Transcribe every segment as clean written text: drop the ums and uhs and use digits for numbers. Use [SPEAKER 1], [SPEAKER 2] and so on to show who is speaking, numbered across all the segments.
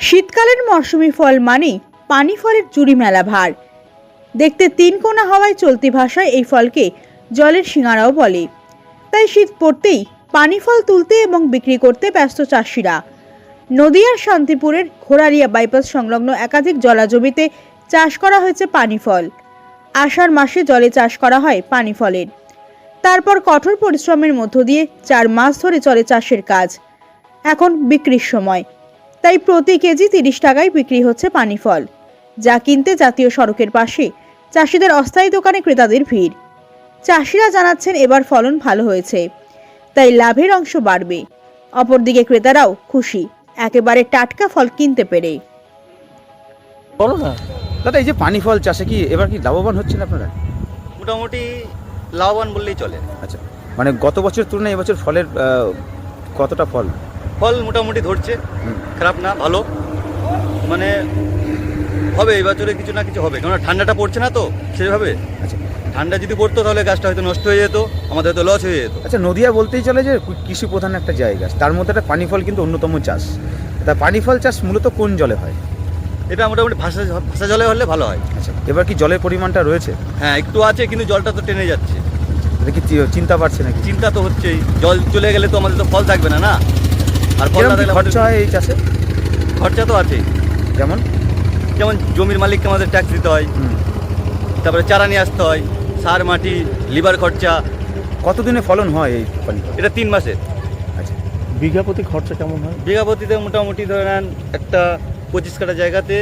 [SPEAKER 1] শীতকালের মরশুমি ফল মানেই পানি ফলের জুড়ি মেলা ভার। দেখতে তিন কোনা হওয়ায় চলতি ভাষায় এই ফলকে জলের সিঙাড়াও বলে। তাই শীত পড়তেই পানি ফল তুলতে এবং বিক্রি করতে ব্যস্ত চাষিরা। নদিয়ার শান্তিপুরের ঘোড়ারিয়া বাইপাস সংলগ্ন একাধিক জলাজমিতে চাষ করা হয়েছে পানি ফল। আষাঢ় মাসে জলে চাষ করা হয় পানি ফলের। তারপর কঠোর পরিশ্রমের মধ্য দিয়ে 4 মাস ধরে চলে চাষের কাজ। এখন বিক্রির সময়, তাই প্রতি কেজি 30 টাকায় বিক্রি হচ্ছে পানি ফল, যা কিনতে জাতীয় সড়কের পাশে চাষিদের অস্থায়ী দোকানে ক্রেতাদের ভিড়। চাষিরা জানাচ্ছেন এবার ফলন ভালো হয়েছে, তাই লাভের অংশ বাড়বে। অপরদিকে ক্রেতারাও খুশি একেবারে টাটকা ফল কিনতে পেরে।
[SPEAKER 2] বলো না দাদা, এই যে পানি ফল চাষে কি এবার কি লাভবান হচ্ছেন আপনারা?
[SPEAKER 3] মোটামুটি লাভবান বললেই চলে।
[SPEAKER 2] আচ্ছা, মানে গত বছর তুলনায় এবছর ফলের কতটা ফল
[SPEAKER 3] মোটামুটি ধরছে, খারাপ না, ভালো। মানে হবে এই বছরে কিছু না কিছু হবে, কারণ ঠান্ডাটা পড়ছে না তো সেভাবে।
[SPEAKER 2] আচ্ছা,
[SPEAKER 3] ঠান্ডা যদি পড়তো তাহলে গাছটা হয়তো নষ্ট হয়ে যেত, আমাদের হয়তো লস হয়ে যেত।
[SPEAKER 2] আচ্ছা, নদিয়া বলতেই চলে যে কৃষি প্রধান একটা জায়গা, তার মধ্যে একটা পানি ফল কিন্তু অন্যতম চাষ। তা পানি ফল চাষ মূলত কোন জলে হয়?
[SPEAKER 3] এটা মোটামুটি ভাষা জলে হলে ভালো হয়।
[SPEAKER 2] আচ্ছা, এবার কি জলের পরিমাণটা রয়েছে?
[SPEAKER 3] হ্যাঁ, একটু আছে, কিন্তু জলটা তো টেনে যাচ্ছে।
[SPEAKER 2] এটা কি চিন্তা পারছে নাকি?
[SPEAKER 3] চিন্তা তো হচ্ছেই, জল চলে গেলে তো আমাদের তো ফল থাকবে না। না, আর ফল না থাকলে
[SPEAKER 2] খরচা হয় এই চাষে?
[SPEAKER 3] খরচা তো আছেই।
[SPEAKER 2] যেমন
[SPEAKER 3] জমির মালিককে আমাদের ট্যাক্স দিতে হয়, তারপরে চারা নিয়ে আসতে হয়, সার, মাটি, লিভার খরচা।
[SPEAKER 2] কতদিনে ফলন হয় এই পানি ফল?
[SPEAKER 3] এটা 3 মাসের।
[SPEAKER 2] আচ্ছা, বিঘা প্রতি খরচা কেমন হয়?
[SPEAKER 3] বিঘা প্রতিতে মোটামুটি ধরে নেন একটা 25 কাঠা জায়গাতে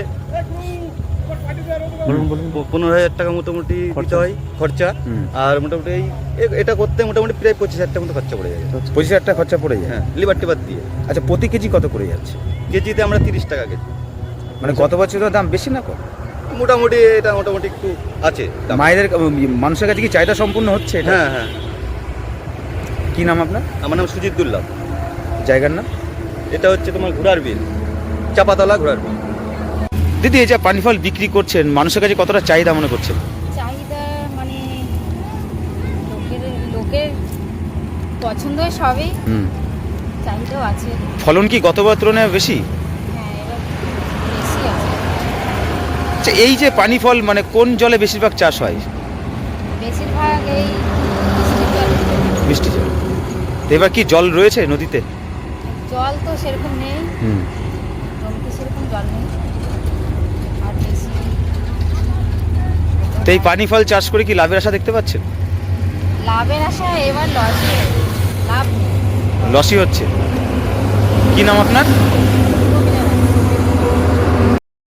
[SPEAKER 3] 15,000 টাকা মোটামুটি দিতে হয় খরচা। আর মোটামুটি এটা করতে মোটামুটি প্রায় 25,000 টাকা মতো খরচা পড়ে যায়।
[SPEAKER 2] 25,000 টাকা খরচা পড়ে যায়?
[SPEAKER 3] হ্যাঁ, লিভার টিভার দিয়ে।
[SPEAKER 2] আচ্ছা, প্রতি কেজি কত করে যাচ্ছে?
[SPEAKER 3] কেজিতে আমরা 30 টাকা কেজি।
[SPEAKER 2] মানে গত বছরের দাম বেশি না কম?
[SPEAKER 3] মোটামুটি এটা মোটামুটি একটু আছে।
[SPEAKER 2] মায়েদের মানুষের কাছে কি চাহিদা সম্পূর্ণ হচ্ছে এটা?
[SPEAKER 3] হ্যাঁ হ্যাঁ।
[SPEAKER 2] কি নাম আপনার?
[SPEAKER 3] আমার নাম সুজিত দুল্লাভ।
[SPEAKER 2] জায়গার নাম?
[SPEAKER 3] এটা হচ্ছে তোমার ঘোড়ার বিল, চাপাতলা ঘোড়ার বিল।
[SPEAKER 2] দিদি, এই যে পানি ফল বিক্রি করছেন, মানুষের কাছে কতটা চাহিদা মনে করছেন?
[SPEAKER 4] চাহিদা মানে লোকের পছন্দ সবই, চাহিদাও আছে।
[SPEAKER 2] ফলন কি গতবার তুলনায় বেশি?
[SPEAKER 4] হ্যাঁ, এবার বেশি আছে।
[SPEAKER 2] আচ্ছা, এই যে পানি ফল মানে কোন জলে বেশিরভাগ চাষ হয়?
[SPEAKER 4] বেশিরভাগ এই বৃষ্টির জল।
[SPEAKER 2] মিষ্টি জল। তো এবার কি জল রয়েছে নদীতে?
[SPEAKER 4] জল তো সেরকম নেই, জমিতে সেরকম জল নেই। আর বেশি
[SPEAKER 2] তো এই পানি ফল চাষ করে কি লাভের আশা দেখতে পাচ্ছেন?
[SPEAKER 4] লাভের আশা এবার লসই, লাভ নেই।
[SPEAKER 2] লসই হচ্ছে। কি নাম আপনার?